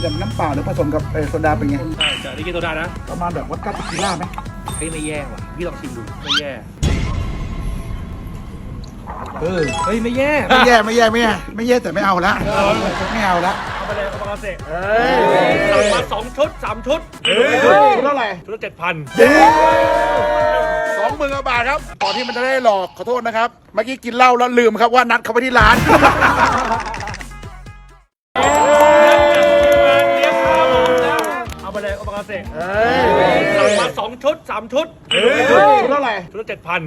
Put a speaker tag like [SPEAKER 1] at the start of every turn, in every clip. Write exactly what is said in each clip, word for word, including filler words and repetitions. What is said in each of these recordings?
[SPEAKER 1] กับน้ำเปล่าหรือผสมกับโซดาเป็นไง
[SPEAKER 2] ใช่จะได้กินโซดานะ
[SPEAKER 1] ประมาณแบบวอดก้าเทคิล่าไหม
[SPEAKER 2] เฮ้ยไม่แย่ว่ะพี่ลองชิมดูไม่แย่
[SPEAKER 1] เออ
[SPEAKER 2] เฮ้ยไม่แย่
[SPEAKER 1] ไม่แย่ไม่แย่ไม่แย่ไม่แย่แต่ไม่เอาละไม่เอาละ
[SPEAKER 2] เอาไปเลยเอาไปเอาเสร็จ
[SPEAKER 1] เฮ้
[SPEAKER 2] ยสั่งมาสองชุดสามชุด
[SPEAKER 1] เฮ้ยชุดเท่าไหร่
[SPEAKER 2] ชุดละเจ็ดพัน
[SPEAKER 1] สองหมื่นกว่าบาทครับก่อนที่มันจะได้หลอกขอโทษนะครับเมื่อกี้กินเหล้าแล้วลืมครับว่านัดเขาไปที่ร้าน
[SPEAKER 2] เอาไปเลยเอาไปเอาเสร็จ
[SPEAKER 1] สั่
[SPEAKER 2] งมาสองชุดสามชุด
[SPEAKER 1] ชุดเท่าไหร่
[SPEAKER 2] ชุดละเจ็ดพัน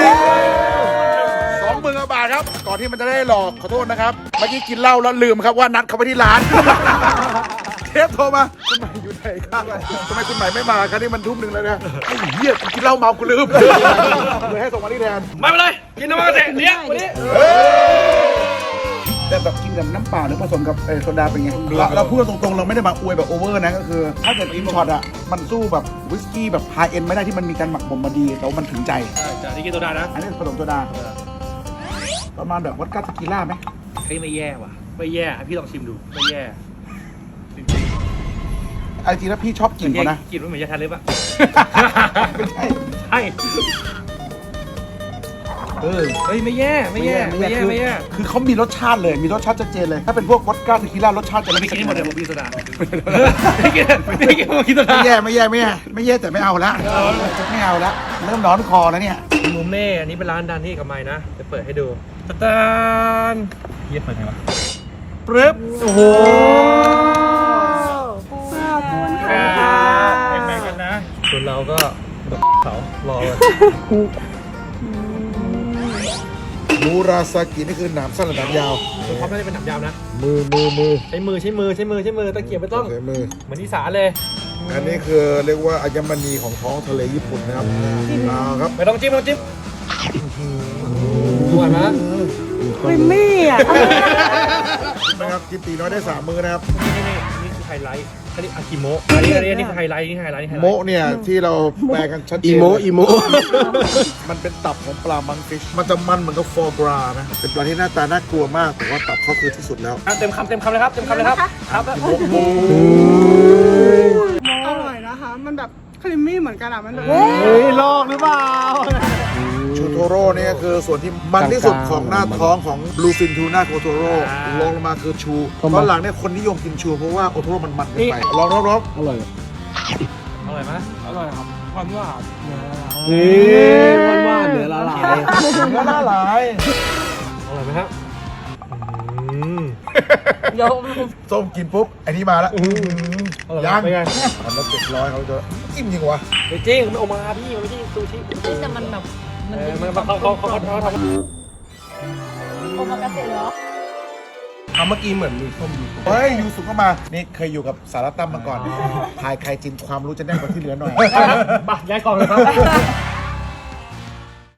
[SPEAKER 1] สองหมื่นกว่าบาทครับก่อนที่มันจะได้หลอกขอโทษนะครับเมื่อกี้กินเหล้าแล้วลืมครับว่านัดเขาไปที่ร้านเชฟโทรมาคุณใหม่อยู่ไหนครับทำไมคุณใหม่ไม่มาครับนี่มันทุ่มหนึ่งแล้วนะไอ้เหี้ยกินเหล้าเมากูลืมเลยให้ส่งมาที่แทน
[SPEAKER 2] ไม่เป็นไรกินน้ำมันเสร็จเลี้ยงวันนี้
[SPEAKER 1] แต่แบบกินกับน้ำเปล่าหรือผสมกับโซดาเป็นไงเราพูดตรงๆเราไม่ได้มาอวยแบบโอเวอร์นะก็คือถ้าเกิดอินช็อตอ่ะมันสู้แบบวิสกี้แบบไฮเอ็นไม่ได้ที่มันมีการหมักบ่มมาดีแต่มันถึงใจ
[SPEAKER 2] ใช่จะได้กินโซดานะ
[SPEAKER 1] อันนี้ผสมโซดาประมาณแบบวอดก้าเทคิล่าไหม
[SPEAKER 2] เฮ้ยไม่แย่ว่ะไม่แย่พี่ลองชิมดูไม่แย่
[SPEAKER 1] ไอ้จริงแล้วพี่ชอบกินเขานะ
[SPEAKER 2] กินมันเหมือนยาทาเล็บอะ
[SPEAKER 1] ไม่ใช่
[SPEAKER 2] ใช่
[SPEAKER 1] เออ
[SPEAKER 2] เฮ้ยไม่แย่ไม่แย่ไม่แย่ไม่แย่
[SPEAKER 1] คือเขามีรสชาติเลยมีรสชาติชัดเจนเลยถ้าเป็นพวกวอดก้าเทคิล่ารสชาติจะ
[SPEAKER 2] ไม่กินหมดเลยผมกินโซดาไม่กินไม่กินผมกินโซดา
[SPEAKER 1] ไม่แย่ไม่แย่ไม่แย่ไม่แย่แต่ไม่เอาละไม่เอาละเริ่มร้อนคอแล้วเนี่ย
[SPEAKER 2] มูเม่อันนี้เป็นร้านดันที่กับไม้นะจะเปิดให้ดูตาลเยี่ยมเปิดไงวะปึ๊บโอ้โหแบ่งกันนะส่วนเราก็เขารอเลย
[SPEAKER 1] มูราซากินี่คือหนามสั้นหรือหนามยาว
[SPEAKER 2] คือเขาไม่ได้เป็นหนามยาวนะ
[SPEAKER 1] มือมือมือ
[SPEAKER 2] ใช้มือใช้มือใช้มือใช้มือตะเกียบไม่ต้อง
[SPEAKER 1] ใช้มือ
[SPEAKER 2] เหมือนที่สาเลย
[SPEAKER 1] อันนี้คือเรียกว่าอัญมณีของท้องทะเลญี่ปุ่นนะครับเอาครับ
[SPEAKER 2] ไม่ต้องจิ้มไม่ต้องจิ้มดูก่อนนะ
[SPEAKER 3] ไม่มีอ่ะ
[SPEAKER 1] นะครับกินตีน้อยได้สามมือนะครับ
[SPEAKER 2] นี่นี่นี่คือไฮไลท์อันนี้อากิโมะอันนี้อันนี้นี่คือไฮไลท์นี่ไฮไลท์
[SPEAKER 1] โมะเนี่ยที่เราแปลกันชัดเจน
[SPEAKER 4] อีโมอีโม
[SPEAKER 1] มันเป็นตับของปลามังฟิชมันจะมันเหมือนกับฟอร์กรานะเป็นปลาที่หน้าตาน่ากลัวมากแต่ว่าตับเขาคือที่สุดแล้ว
[SPEAKER 2] เต็มคำเต็มคำเลยครับเต็มคำเลยครับครับ
[SPEAKER 1] โมโม
[SPEAKER 3] อร่อยนะคะมันแบบครีมมี่เหมือนกันอ่ะมันแบบ
[SPEAKER 4] เฮ้ยลอกหรือเปล่า
[SPEAKER 1] ชูโทโร่เนี่ยคือส่วนที่มันที่สุดของหน้าท้องของบลูฟินทูน่าโอโทโร่ลงลงมาคือชูตอนหลังเนี่ยคนนิยมกินชูเพราะว่าโอโทโร่มันมันไปลองรอบ
[SPEAKER 4] ๆอร่อย
[SPEAKER 2] อร่อยไหมอร่อยครับความว่า
[SPEAKER 4] เฮ้ยมันว่าเนื้อละลาย
[SPEAKER 1] เนื้อละลาย
[SPEAKER 2] อร่อยไหมครับ
[SPEAKER 3] เดี๋ยว
[SPEAKER 1] ส้มกินปุ๊บไอ้นี่มาแล้วยัง
[SPEAKER 2] เป็นไง
[SPEAKER 1] ทำแล้วเจ็ดร้อยเขาจะจิ้มจริงวะ
[SPEAKER 2] จริงมันออกมาพี่มันไม่ใช่ซูชิ
[SPEAKER 3] แต่มันแบบ
[SPEAKER 2] มันมันเขาเขาเขาเขาทำ
[SPEAKER 3] โอมากาเสะเหรอ
[SPEAKER 4] เมื่อกี้เหมือนมีส้มยู
[SPEAKER 1] เฮ้ยยูสุก็มานี่เคยอยู่กับสารตั้มมาก่อนทายใครจินความรู้จะแน่นกว่าที่เหลือหน่อย
[SPEAKER 2] มาย้ายกล่องเลยครับ